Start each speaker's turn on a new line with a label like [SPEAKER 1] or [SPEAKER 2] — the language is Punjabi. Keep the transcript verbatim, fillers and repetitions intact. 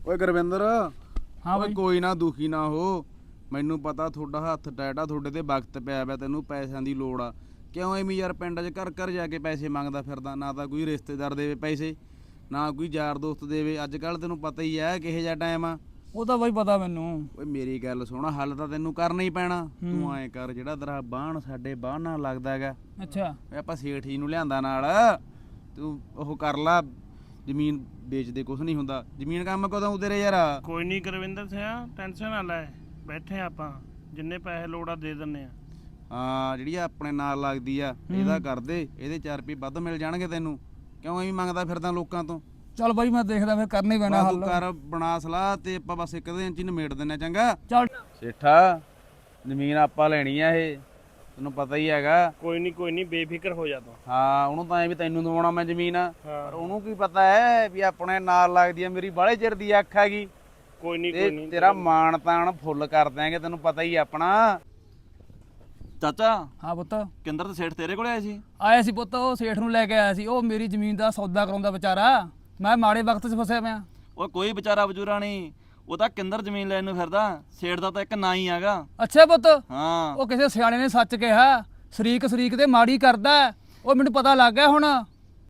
[SPEAKER 1] ਓਏ ਗੁਰਵਿੰਦਰ
[SPEAKER 2] ਹਾਂ
[SPEAKER 1] ਓਏ
[SPEAKER 2] ਬਾਈ।
[SPEAKER 1] ਕੋਈ ਨਾ ਦੁਖੀ ਨਾ ਹੋ। ਮੈਨੂੰ ਪਤਾ ਤੁਹਾਡਾ ਹੱਥ ਟੈਟ ਆ, ਤੁਹਾਡੇ ਤੇ ਵਕਤ ਪਿਆ ਪਿਆ, ਤੈਨੂੰ ਪੈਸਿਆਂ ਦੀ ਲੋੜ ਆ। ਕਿਉਂ ਐਵੇਂ ਯਾਰ ਪਿੰਡ 'ਚ ਘਰ ਘਰ ਜਾ ਕੇ ਪੈਸੇ ਮੰਗਦਾ ਫਿਰਦਾ? ਨਾ ਤਾਂ ਕੋਈ ਰਿਸ਼ਤੇਦਾਰ ਦੇਵੇ ਪੈਸੇ, ਨਾ ਕੋਈ ਯਾਰ ਦੋਸਤ ਦੇਵੇ। ਅੱਜ ਕੱਲ੍ਹ ਤੈਨੂੰ ਪਤਾ ਹੀ ਹੈ ਕਿਹੋ ਜਿਹਾ ਟਾਈਮ ਆ।
[SPEAKER 2] ਉਹ ਤਾਂ ਬਾਈ ਪਤਾ ਮੈਨੂੰ।
[SPEAKER 1] ਓਏ ਮੇਰੀ ਗੱਲ ਸੁਣ, ਹੱਲ ਤਾਂ ਤੈਨੂੰ ਕਰਨਾ ਹੀ ਪੈਣਾ। ਤੂੰ ਐਂ ਕਰ, ਜਿਹੜਾ ਤੇਰਾ ਬਾਣ ਸਾਡੇ ਬਾਣ ਨਾਲ ਲੱਗਦਾ ਹੈਗਾ,
[SPEAKER 2] ਅੱਛਾ
[SPEAKER 1] ਓਏ ਆਪਾਂ ਸੇਠ ਜੀ ਨੂੰ ਲਿਆਂਦਾ ਨਾਲ, ਤੂੰ ਉਹ ਕਰ ਲਾ। ਜ਼ਮੀਨ ਵੇਚਦੇ ਕੁਛ ਨਹੀਂ ਹੁੰਦਾ। ਜ਼ਮੀਨ ਕੰਮ ਕਦੋਂ ਤੇਰੇ ਯਾਰ?
[SPEAKER 3] ਕੋਈ ਨਹੀਂ ਗੁਰਵਿੰਦਰ ਸਿੰਘ, ਟੈਨਸ਼ਨ ਨਾ ਲੈ, ਬੈਠੇ ਆਪਾਂ, ਜਿੰਨੇ ਪੈਸੇ ਲੋੜ ਆ ਦੇ ਦਿੰਨੇ ਆ।
[SPEAKER 1] ਹਾਂ, ਜਿਹੜੀ ਆਪਣੇ ਨਾਲ ਲੱਗਦੀ ਆ ਇਹਦਾ ਕਰ ਦੇ, ਇਹਦੇ ਚਾਰ ਰੁਪਏ ਵੱਧ ਮਿਲ ਜਾਣਗੇ ਤੈਨੂੰ। ਕਿਉਂ ਐਵੇਂ ਮੰਗਦਾ ਫਿਰਦਾ ਲੋਕਾਂ ਤੋਂ?
[SPEAKER 2] ਚੱਲ ਬਾਈ ਮੈਂ ਦੇਖਦਾ ਫਿਰ ਕਰਨਾ ਹੀ ਪੈਣਾ
[SPEAKER 1] ਬਸ ਤੂੰ
[SPEAKER 2] ਹੱਲ।
[SPEAKER 1] ਕਰ ਬਣਾ ਸਲਾਹ ਤੇ ਆਪਾਂ ਬਸ ਇੱਕ ਦਿਨ ਚ ਹੀ ਨਿਮੇੜ ਦਿੰਨੇ। ਚੰਗਾ
[SPEAKER 2] ਚੱਲ
[SPEAKER 1] ਸੇਠਾ, ਜ਼ਮੀਨ ਆਪਾਂ ਲੈਣੀ ਆ, ਇਹ ਤੈਨੂੰ ਪਤਾ ਹੀ ਹੈਗਾ।
[SPEAKER 3] ਕੋਈ ਨਹੀਂ ਕੋਈ ਨਹੀਂ, ਬੇਫਿਕਰ ਹੋ ਜਾ ਤੂੰ।
[SPEAKER 1] ਹਾਂ, ਉਹਨੂੰ ਤਾਂ ਐ ਵੀ ਤੈਨੂੰ ਦਵਾਉਣਾ ਮੈਂ ਜ਼ਮੀਨ,
[SPEAKER 3] ਹਾਂ।
[SPEAKER 1] ਪਰ ਉਹਨੂੰ ਕੀ ਪਤਾ ਹੈ ਵੀ ਆਪਣੇ ਨਾਲ ਲੱਗਦੀ ਆ, ਮੇਰੀ ਬਾਹਲੇ ਚਿਰ ਦੀ ਅੱਖ ਹੈਗੀ।
[SPEAKER 3] ਕੋਈ ਨਹੀਂ
[SPEAKER 1] ਤੇ
[SPEAKER 3] ਕੋਈ ਨਹੀਂ,
[SPEAKER 1] ਤੇਰਾ ਮਾਣ ਤਾਣ ਫੁੱਲ ਕਰ ਦਿਆਂਗੇ, ਤੈਨੂੰ ਪਤਾ ਹੀ ਆਪਣਾ।
[SPEAKER 4] ਚਾਚਾ
[SPEAKER 2] ਹਾਂ ਪੁੱਤ।
[SPEAKER 4] ਕਿੰਦਰ ਤੇ ਸੇਠ ਤੇਰੇ ਕੋਲੇ ਆਏ ਸੀ?
[SPEAKER 2] ਆਇਆ ਸੀ ਪੁੱਤ, ਉਹ ਸੇਠ ਨੂੰ ਲੈ ਕੇ ਆਇਆ ਸੀ। ਉਹ ਮੇਰੀ ਜ਼ਮੀਨ ਦਾ ਸੌਦਾ ਕਰਾਉਂਦਾ ਵਿਚਾਰਾ। ਮੈਂ ਮਾੜੇ ਵਕਤ 'ਚ ਫਸਿਆ ਪਿਆ।
[SPEAKER 4] ਉਹ ਕੋਈ ਵਿਚਾਰਾ ਬਜੂਰਾ ਨਹੀਂ, ਉਹ ਤਾਂ ਕਿੰਦਰ ਜ਼ਮੀਨ ਲੈਣ ਨੂੰ ਫਿਰਦਾ। ਸੇਠ ਦਾ ਤਾਂ ਇੱਕ ਨਾਂ ਹੀ ਹੈਗਾ।
[SPEAKER 2] ਅੱਛਾ ਪੁੱਤ।
[SPEAKER 4] ਹਾਂ
[SPEAKER 2] ਉਹ ਕਿਸੇ ਸਿਆਣੇ ਨੇ ਸੱਚ ਕਿਹਾ, ਸ਼ਰੀਕ ਸ਼ਰੀਕ ਤੇ ਮਾੜੀ ਕਰਦਾ। ਉਹ ਮੈਨੂੰ ਪਤਾ ਲੱਗ ਗਿਆ ਹੁਣ।